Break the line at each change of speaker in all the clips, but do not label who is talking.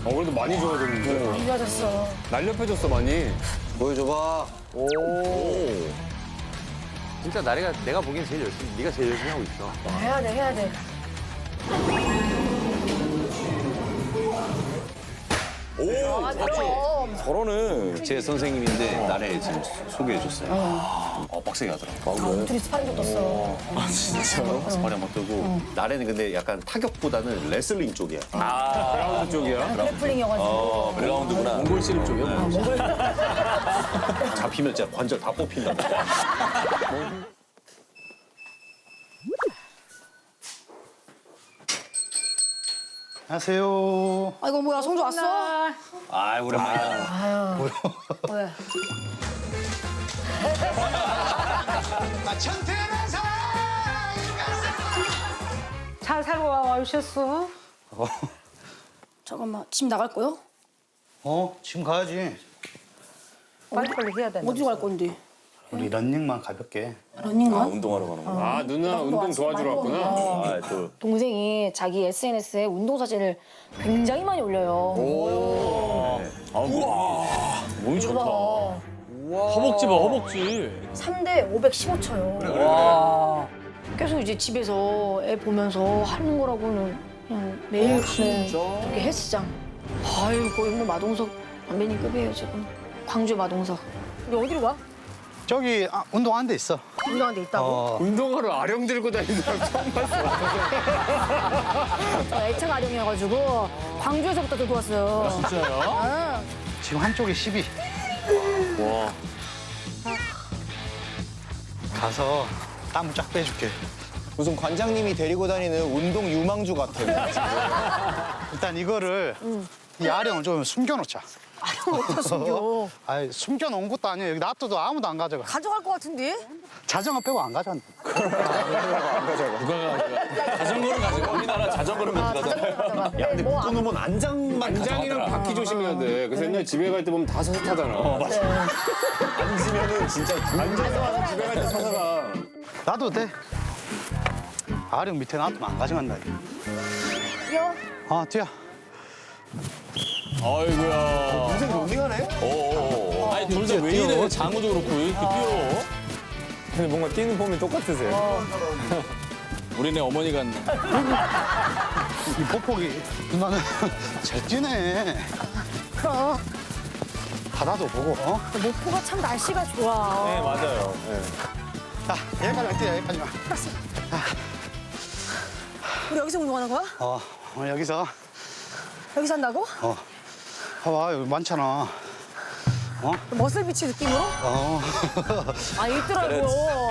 그래도 많이 좋아졌는데.
좋아졌어.
날렵해졌어, 많이.
보여줘봐.
오.
진짜 내가 보기엔 제일 열심히, 네가 제일 열심히 하고 있어.
해야 돼, 해야 돼.
오,
그럼.
저러는 제 선생님인데 나래 지금 소개해줬어요. 빡세게 하더라고.
둘이 스파링도 떴어.
진짜? 스파리 한번 뜨고. 나래는 근데 약간 타격보다는 레슬링 쪽이야.
그라운드 쪽이야.
그래플링이어가지고.
그라운드구나.
몽골 씨름 쪽이야.
잡히면 진짜 관절 다 뽑힌다.
안녕하세요.
아이고 뭐야 성주 왔어?
아, 오랜만이다.
왜?
잘 살고 와오셨어?
잠깐만 집 나갈 거요?
지금 가야지.
빨리빨리 해야 되는데.
어디로 갈 건데?
우리 런닝만 가볍게.
러닝만?
운동하러 가는 거야.
아, 누나 운동 도와주러 왔구나.
아, 또.
동생이 자기 SNS에 운동 사진을 굉장히 많이 올려요.
몸이 좋다.
허벅지 봐, 허벅지.
3대 515초요. 계속 이제 집에서 애 보면서 하는 거라고는 그냥 매일 가는 저기 헬스장. 아유 거의 뭐 마동석 선배님급이에요 지금. 광주 마동석. 우리 어디로 가?
저기 운동하는 데 있어.
운동하는 데 있다고?
운동하러 아령 들고 다니는 사람 처음 봤어.
애착 아령이어가지고 광주에서부터 들고 왔어요.
진짜요?
지금 한쪽에 12.
와.
가서 땀 쫙 빼줄게.
무슨 관장님이 데리고 다니는 운동 유망주 같아.
일단 이거를 이 아령을 좀 숨겨놓자.
아령 어디다 숨겨?
아이, 숨겨놓은 것도 아니야. 여기 놔둬도 아무도 안 가져가.
가져갈 것 같은데?
자전거 빼고 안 가져간다.
자전거를 가지고. 우리나라 자전거를
자전거
야, 근데
뭐
묶어놓으면 안장만
안장이랑
가져가더라.
바퀴 조심해야 돼. 그래서 옛날 집에 갈 때 보면 다 서서 타잖아.
앉으면은 진짜
앉아서 와서 집에 갈 때 서서 가.
놔도 돼. 아령 밑에 놔두면 안 가져간다.
뛰어?
뛰어.
아이고야.
무슨 런닝하네?
아니, 둘 다 왜 이래? 장우도 그렇고 왜 이렇게 뛰어? 근데 뭔가 뛰는 폼이 똑같으세요. 우리네 어머니 같네.
이 폭폭이 누나는 잘 뛰네.
그럼.
바다도 보고.
목포가 참 날씨가 좋아.
네, 맞아요. 네.
자, 여기까지만 뛰어, 여기까지만.
우리 여기서 운동하는 거야?
오늘 여기서.
여기서 한다고?
봐봐, 여기 많잖아.
머슬비치 느낌으로? 아 있더라고.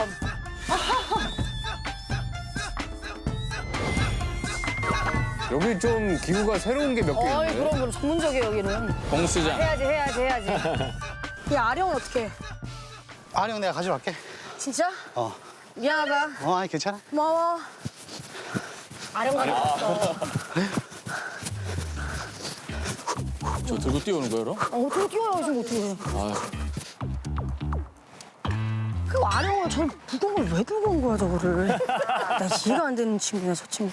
여기 좀 기구가 새로운 게 몇 개
어이
있네.
그럼 전문적이에요 여기는.
공수장.
해야지. 이 아령은 어떻게?
아령 내가 가져갈게.
진짜? 미안하다.
아니, 괜찮아.
고마워. 아령 가져왔어.
저 들고 뛰어오는 거야, 그럼?
어떻게 뛰어요 지금 어떻게? 그 아령을 저 무거운 걸 왜 들고 온 거야 저거를? 나 이해가 안 되는 친구야 저 친구.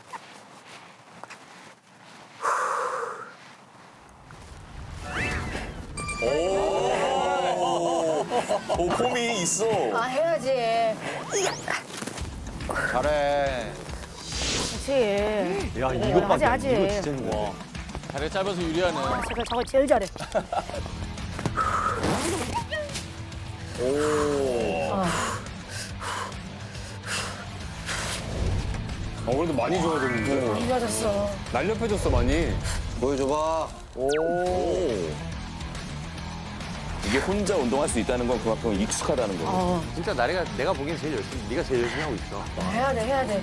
오, 폼이 있어.
아 해야지.
잘해.
그렇지.
야, 이것밖에
하지.
이거 진짜 힘들어.
다리 짧아서 유리하네.
저거 제일 잘해.
그래도 많이 좋아졌는데.
좋아졌어.
날렵해졌어, 많이.
보여줘봐. 이게 혼자 운동할 수 있다는 건 그만큼 익숙하다는 거고.
진짜 내가 보기엔 제일 열심히, 네가 제일 열심히 하고 있어.
해야 돼.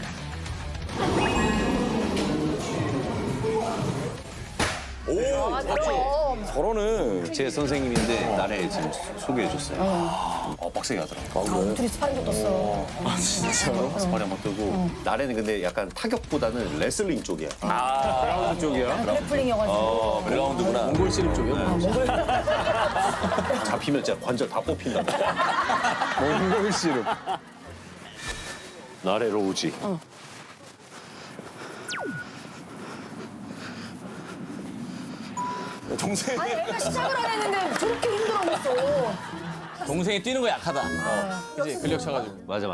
그럼.
저러는 제 선생님인데 나래 지금 소개해줬어요. 빡세게 하더라고.
둘이 스파링도 떴어.
진짜? 스파리 한번 뜨고. 나래는 근데 약간 타격보다는 레슬링 쪽이야.
그라운드 쪽이야.
그래플링이어가지고.
그라운드구나.
몽골 씨름 쪽이야.
잡히면 진짜 관절 다 뽑힌다.
몽골 씨름.
나래로 오지. 동생.
아니 애가 시작을 안 했는데 저렇게 힘들어하고 있어.
동생이 뛰는 거 약하다. 그지 근력 차가지고.
맞아.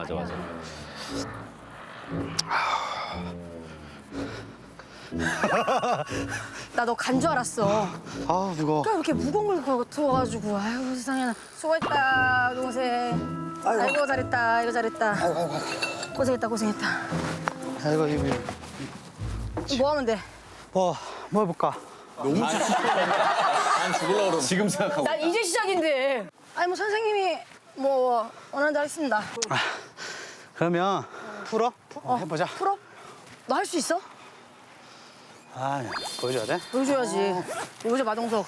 나 너 간 줄 알았어.
아 무거워.
왜 이렇게 무거운 걸 들어가지고. 아이고 세상에. 수고했다 동생. 아이고 잘했다. 이거 잘했다. 고생했다.
아이고 이거
뭐 하면 돼?
뭐 해볼까?
난 죽을라 그러면.
지금 생각하고.
나 이제 시작인데. 아니 뭐 선생님이 뭐 원하는 대로 하겠습니다.
그러면 풀어? 해보자.
풀어? 너 할 수 있어?
아 보여줘야 돼?
보여줘야지. 보여줘 마동석.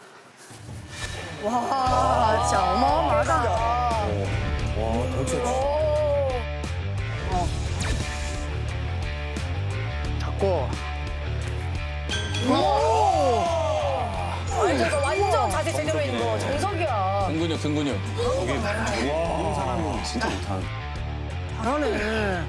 와 진짜 어마어마하다.
와 덩치.
잡고.
완전 자세 제대로 있는 거 정석이야.
등 근육.
사람이 진짜 못하는.
잘하네.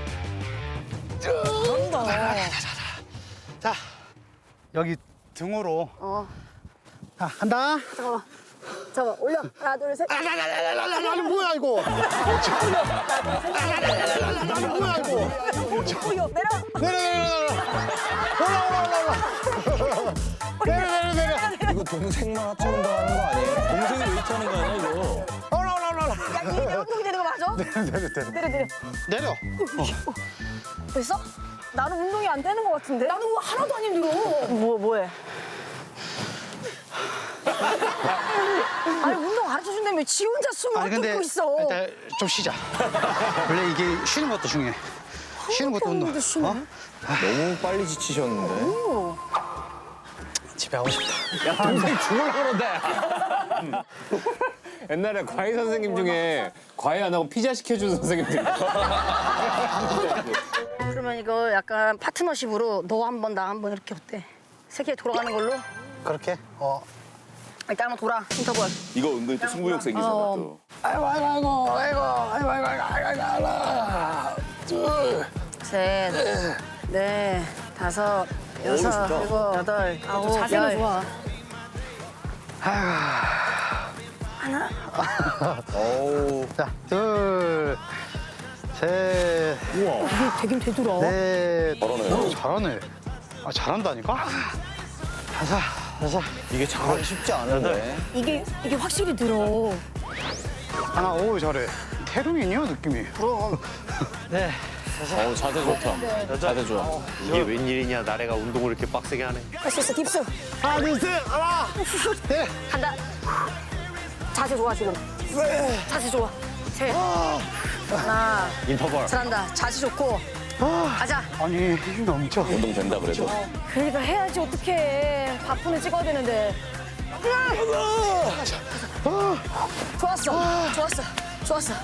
자 여기 등으로. 자 간다.
잠깐만 올려. 하나 둘 셋.
아니 뭐야 이거? 아니 뭐야 이거?
올려 내려.
내려.
이거 동생만 합쳐놓은 거 하는 거 아니에요? 동생이 웨이트 하는 거 아니야 이거?
야 이게 운동이 되는 거 맞아?
내려.
됐어? 나는 운동이 안 되는 것 같은데? 나는 하나도 안 힘들어. 뭐해? 아니 운동 가르쳐준다며 지 혼자 숨을 뚫고 있어.
일단 좀 쉬자. 원래 이게 쉬는 것도 중요해. 쉬는 것도 운동.
너무 빨리 지치셨는데.
집에 가고 싶다.
야 동생 죽을라 그런다. 옛날에 과외 선생님 중에 과외 안 하고 피자 시켜주는 선생님들.
그러면 이거 약간 파트너십으로 너 한 번 나 한 번 이렇게 어때? 세계 돌아가는 걸로?
그렇게?
일단 한번 돌아 인터벌.
이거 은근히 또 승부욕 생기잖아 또.
셋, 넷, 다섯, 여섯, 일곱, 여덟, 아홉, 자세가 좋아.
자, 둘, 셋,
이게 되긴 되더라.
넷. 잘하네. 아, 잘한다니까? 다섯.
이게 잘하기 쉽지 않은데.
이게 확실히 들어.
하나, 오, 잘해. 태릉이냐, 느낌이?
그럼.
네.
자세 좋다. 자세 좋아.
이게 웬일이냐 나래가 운동을 이렇게 빡세게 하네.
할 수 있어 딥스.
하나, 둘, 셋, 하나. 네.
간다. 자세 좋아 지금. 자세 좋아. 셋. 하나.
인터벌.
잘한다. 자세 좋고. 가자.
아니, 힘이 넘쳐.
운동 된다 그래도.
그러니까 해야지 어떡해. 바쁜을 찍어야 되는데. 좋았어.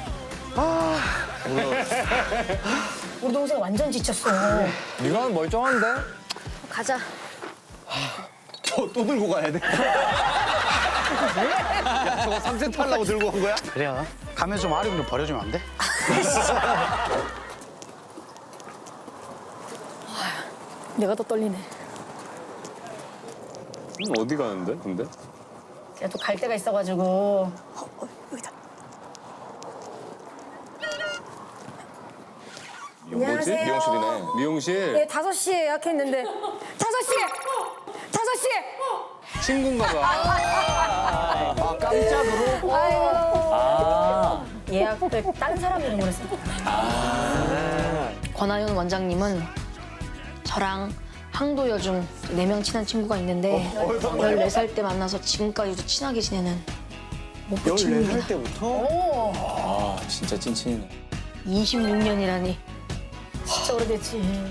우리 동생 완전 지쳤어.
네가 멀쩡한데?
가자.
또 들고 가야 돼.
야 저거 3세트 하려고 들고 온 거야?
그래요. 가면 좀 아령 좀 버려주면 안 돼?
내가 더 떨리네.
어디 가는데 근데?
제가 또 갈 데가 있어가지고. 여기다.
뭐지?
안녕하세요.
미용실이네. 미용실.
네, 5시에 예약했는데. 5시에!
친구인가 봐. 깜짝으로?
아이고. 예약을 다른 사람이 이름으로 했어요. 권하윤 원장님은 저랑 항도여중 4명 친한 친구가 있는데 14살 때 만나서 지금까지도 친하게 지내는 목표 친구입니다.
때부터?
아 진짜 찐친이네.
26년이라니 진짜 오래됐지.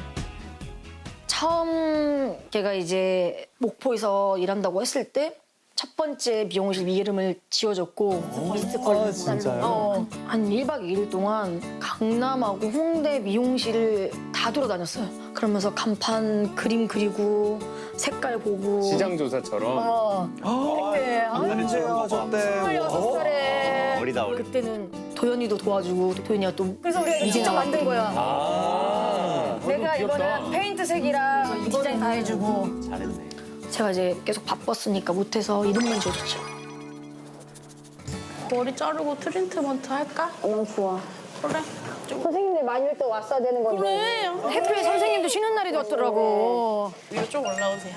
처음 걔가 이제 목포에서 일한다고 했을 때 첫 번째 미용실 이름을 지어줬고 미스컬 진짜요? 한 1박 2일 동안 강남하고 홍대 미용실을 다 돌아다녔어요. 그러면서 간판 그림 그리고 색깔 보고
시장 조사처럼.
그때
언제 하셨대?
26살에
어리다, 어리.
그때는 도현이도 도와주고 도현이가 또 그래서 우리가 직접 만든 거야. 내가 이거는 페인트 색이랑 디자인 다 해주고
잘했네.
제가 이제 계속 바빴으니까 못해서 이름만 지어줬죠.
머리 자르고 트리트먼트 할까?
너무 좋아.
그래.
선생님들 많이 올 때 왔어야 되는 건데.
그래.
해프에 선생님도 쉬는 날이 됐더라고.
위로 좀 올라오세요.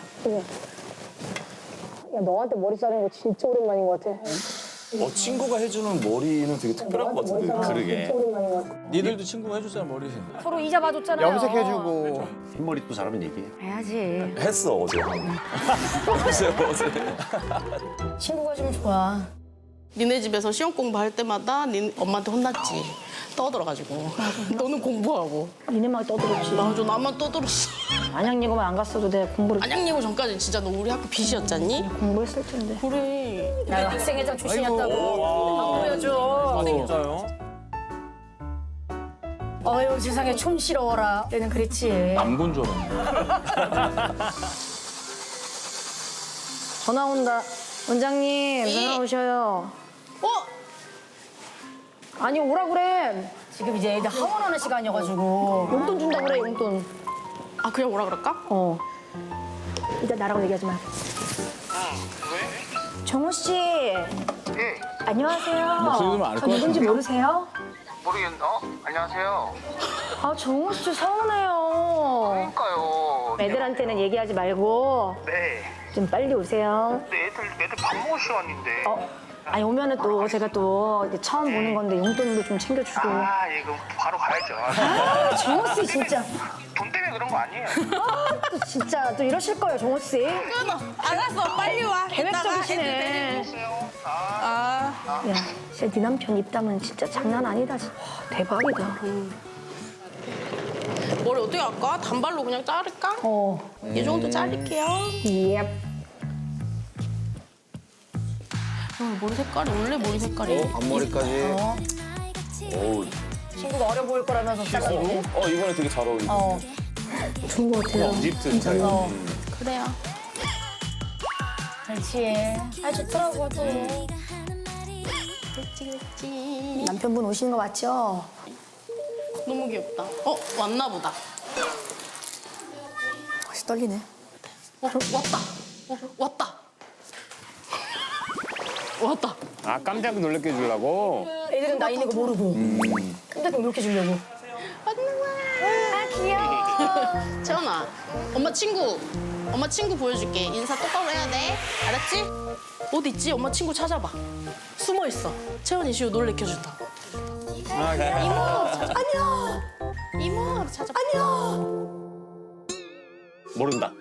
야, 너한테 머리 자르는 거 진짜 오랜만인 것 같아.
친구가 해주는 머리는 되게 특별한 것 같은데.
그러게.
니들도 친구가 해줬잖아, 머리.
서로 이자 봐줬잖아요.
염색해주고.
흰머리 또 잘하면 얘기해.
해야지.
했어, 어제. 어제.
친구가 좀 좋아.
니네 집에서 시험 공부할 때마다 엄마한테 혼났지. 떠들어가지고. 너는 공부하고.
니네만 떠들었지.
맞아, 나만 떠들었어.
안양예고만 안 갔어도 내가 공부를
안양예고 전까지 진짜 너 우리 학교 빚이었잖니?
공부했을 텐데.
그래.
나 학생회장 출신이었다고. 안 보여줘.
진짜요?
어휴 세상에 촌스러워라. 때는 그랬지.
남군 줄 알았네.
전화 온다. 원장님 전화 오셔요.
어?
아니 오라 그래. 지금 이제 애들 하원하는 시간이어가지고 용돈 준다 그래 용돈.
아, 그냥 오라 그럴까?
어. 일단 나라고 얘기하지 마. 정호 씨. 안녕하세요.
목소리 들으면 알것
저 누군지
같은데.
모르세요?
모르겠어? 안녕하세요.
아 정호 씨 서운해요.
그러니까요.
애들한테는 얘기하지 말고
네.
좀 빨리 오세요.
근데 애들 밥 먹을 시간인데.
아니 오면은 또 제가 또 이제 처음 보는 건데 용돈도 좀 챙겨주고.
아, 예, 그럼 바로 가야죠.
아 정호 씨 진짜.
돈 때문에 그런 거 아니에요.
또 진짜 또 이러실 거예요 정호 씨.
끊어. 알았어, 빨리 와.
계획적이시네. 야, 진짜 네 남편 입담은 진짜 장난 아니다. 진짜. 대박이다.
머리 어떻게 할까? 단발로 그냥 자를까? 이 정도 자를게요.
예.
머리 색깔이 원래 머리 색깔이.
앞머리까지.
어우,
친구가 어려 보일 거라면서 잘랐는데.
이번에 되게 잘 어울리네.
좋은 거 같아요.
립트 스타일.
그래요.
그렇지. 아 좋더라고 또.
그렇지.
남편분 오시는 거 맞죠?
너무 귀엽다. 왔나 보다.
다시 떨리네.
왔다. 왔다. 왔다.
아, 깜짝 놀랍게 해주려고?
애들은 나이 있는 거 모르고. 근데 꼭 이렇게 주려고. 아 귀여워.
채원아, 엄마 친구 보여줄게. 인사 똑바로 해야 돼. 알았지? 어디 있지? 엄마 친구 찾아봐. 숨어 있어. 채원이 시우 놀래켜준다. 이모, 안녕. 이모, 찾아봐. 안녕.
모른다.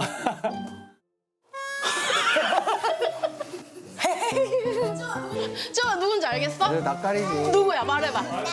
채원아 누군지 알겠어?
낯가리지.
누구야? 말해봐.
안해.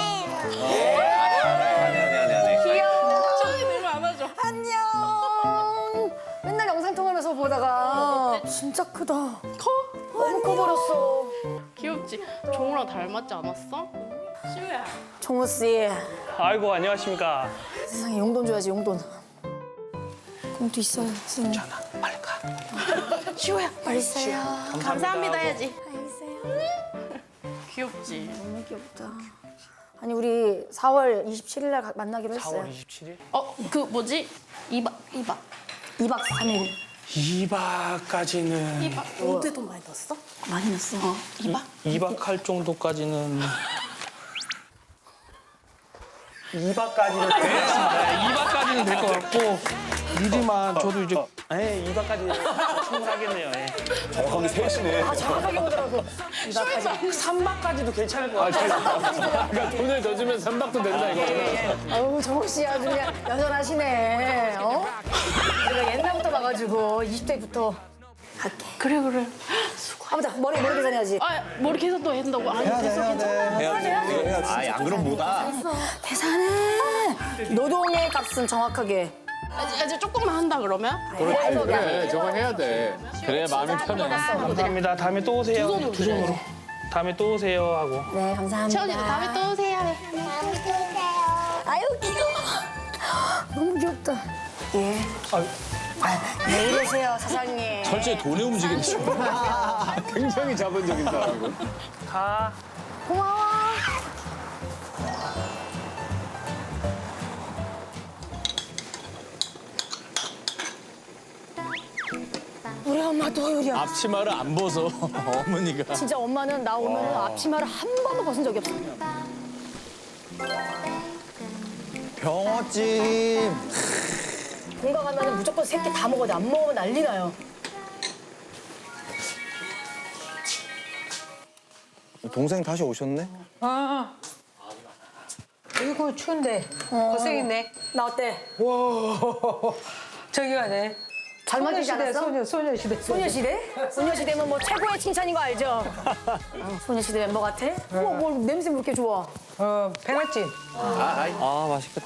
채원이 누구 안아줘.
안녕. 맨날 영상 통화하면서 보다가 진짜 크다.
커?
너무 커버렸어.
귀엽지? 종우랑 닮았지 않았어? 시우야.
정호 씨.
아이고 안녕하십니까.
세상에 용돈 줘야지 용돈. 공도 있어요 선생님.
빨리 가. 시우야.
빨리 있어요.
감사합니다 해야지.
빨리 있어요.
귀엽지?
너무 귀엽다. 아니 우리 4월 27일 날 만나기로 했어요.
27일?
그 뭐지? 2박.
2박 3일.
2박까지는
어디 돈 많이 넣었어?
많이 났어.
2박?
2박 할 정도까지는 2박까지는 되겠습니다. 2박까지는 될 것 같고 미리만 저도 이제 2박까지 충분하겠네요.
정확하게 셋이네.
정확하게 보더라고.
3박까지도 괜찮을 것 같아요.
그러니까 돈을 더 주면 3박도 된다, 이거.
어우 정호 씨 아주 그냥 여전하시네. 어? 우리가 옛날부터 봐가지고 20대부터 갈게.
그래.
아무튼 머리 계산해야지.
머리 계산도 해야 된다고? 아니, 됐어, 괜찮아.
아이, 안 그럼 뭐다.
계산해. 노동의 값은 정확하게.
이제 조금만 한다 그러면?
그래, 저거 해야 돼. 그래야 마음이 편해.
감사합니다. 다음에 또 오세요. 두 손으로. 다음에 또 오세요 하고.
네 감사합니다.
채원이도 다음에 또 오세요.
아유 귀여워. 너무 귀엽다. 예. 왜 이러세요 사장님.
철저히 돈에 움직이는 친구.
굉장히 자본적인 사람이고.
가.
고마워. 우리 엄마도 요리야.
앞치마를 안 벗어 어머니가.
진짜 엄마는 나 오면 앞치마를 한 번도 벗은 적이 없어.
병어찜.
본가 가면은 무조건 3끼 다 먹어야 돼. 안 먹으면 난리 나요.
동생 다시 오셨네?
이거 추운데 고생했네.
나 어때?
저기 가네.
잘 맞지 않았어?
소녀시대.
소녀시대? 소녀시대면 뭐 최고의 칭찬인 거 알죠? 소녀시대 멤버 같아? 우와, 뭐 냄새 왜 이렇게 좋아?
배나찜.
아, 맛있겠다.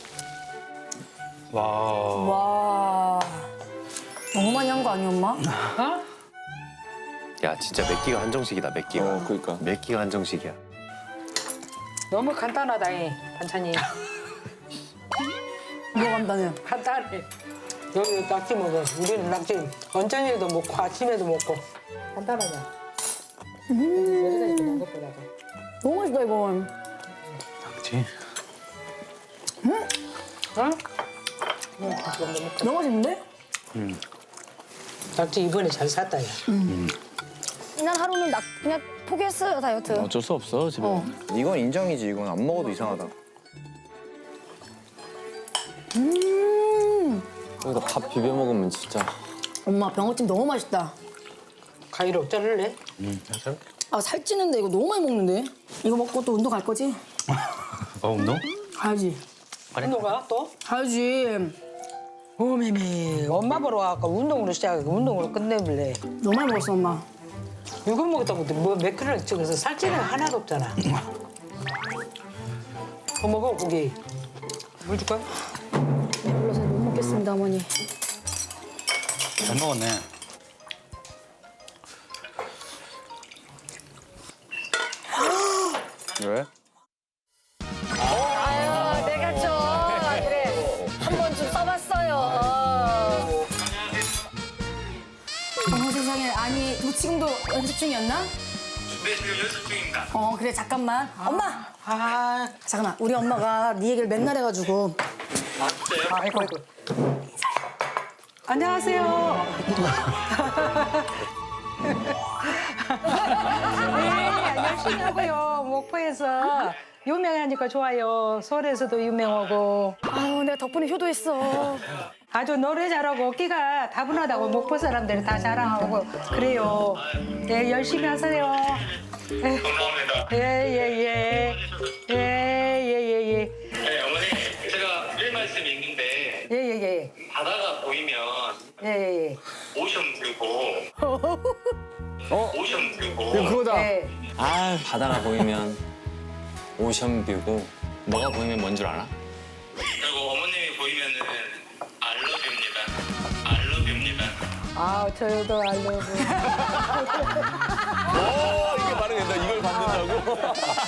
와. 너무 많이 한 거 아니야, 엄마?
야 진짜 맵기가 한정식이다 맵기가.
그러니까.
맵기가 한정식이야.
너무 간단하다, 이 반찬이.
뭐 간다네.
간단해. 여기 낙지 먹어. 우리는 낙지 언저녁에도 먹고 아침에도 먹고. 간단하냐? 여러 가지 먹는 것보다도.
너무 맛있다, 이건.
낙지.
응?
너무 맛있는데?
낙지 이번에 잘 샀다, 야.
난 하루는 그냥 포기했어요, 다이어트.
어쩔 수 없어 집에.
이건 인정이지. 이건 안 먹어도 이상하다.
여기다 밥 비벼 먹으면 진짜.
엄마, 병어찜 너무 맛있다.
가위로 자를래?
아, 살찌는데 이거 너무 많이 먹는데? 이거 먹고 또 운동 갈 거지?
운동?
가야지.
운동가 또?
가야지.
오메메. 엄마 보러 와서 운동으로 시작하고 운동으로 끝내볼래.
너무 많이 먹었어, 엄마.
이거 먹었다고 뭐몇 킬로를 찍어서 살찌는 하나도 없잖아. 더 먹어, 고기. 물 줄까?
배불러서 못 먹겠습니다, 어머니.
잘 먹었네.
왜?
아유, 내가 좀 그래. 한 번쯤 써봤어요. 어머 세상에. 아니, 너 지금도 연습 중이었나?
네, 지금 연습 중입니다.
그래, 잠깐만. 엄마!
아,
잠깐만, 우리 엄마가 네 얘기를 맨날 해가지고.
아이고. 안녕하세요. 네, 열심히 하고요. 목포에서 유명하니까 좋아요. 서울에서도 유명하고.
아유, 내가 덕분에 효도했어.
아주 노래 잘하고 끼가 다분하다고 목포 사람들이 다 자랑하고 그래요. 예, 열심히 하세요.
감사합니다.
예.
네, 어머니, 제가 드릴 말씀이 있는데
예.
바다가 보이면
예.
오션 뷰고 오션 뷰고
그거다.
예.
아 바다가 보이면 오션뷰고 너가 보이면 뭔 줄 알아?
그리고 어머님이 보이면은 알러뷰입니다.
아, 저도 알려고.
이게 발음된다. 이걸 받는다고?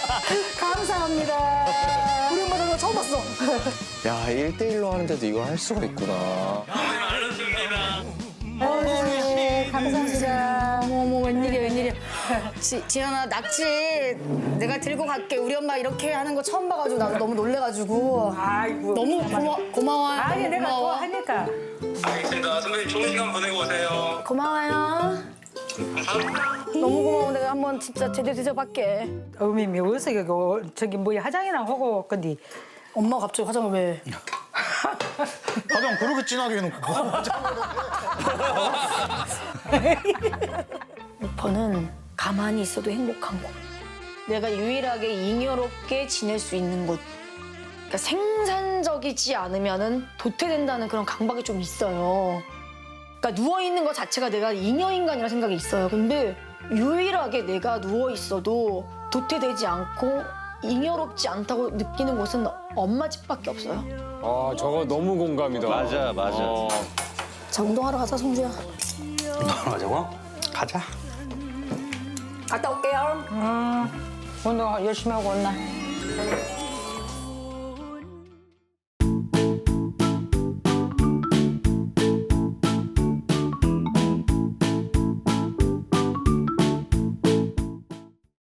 감사합니다. 우리 엄마 나 처음 봤어.
야, 1대1로 하는데도 이걸 할 수가 있구나.
어머님 알러뷰입니다.
네, 감사합니다. 어머, 웬일이야. 지현아, 낙지 내가 들고 갈게. 우리 엄마 이렇게 하는 거 처음 봐가지고 나도 너무 놀래가지고.
아이고.
너무 고마워요.
아니, 내가
고마워.
좋아하니까.
알겠습니다. 선배님 좋은 시간 보내고 오세요.
고마워요.
감사합니다.
너무 고마워. 내가 한번 진짜 제대로 대접할게.
어미미 어디서 저기 뭐야 화장이나 하고 건디.
엄마가 갑자기 화장을 왜?
가장 그렇게 진하게 해놓고.
목포는 가만히 있어도 행복한 곳. 내가 유일하게 잉여롭게 지낼 수 있는 곳. 그러니까 생산적이지 않으면은 도태된다는 그런 강박이 좀 있어요. 그러니까 누워 있는 것 자체가 내가 잉여 인간이라 생각이 있어요. 근데 유일하게 내가 누워 있어도 도태되지 않고 잉여롭지 않다고 느끼는 곳은 엄마 집밖에 없어요.
아, 저거 너무 공감이다.
맞아.
자, 운동하러 가자, 성주야.
가자고? 가자.
갔다 올게요.
운동 열심히 하고 온나.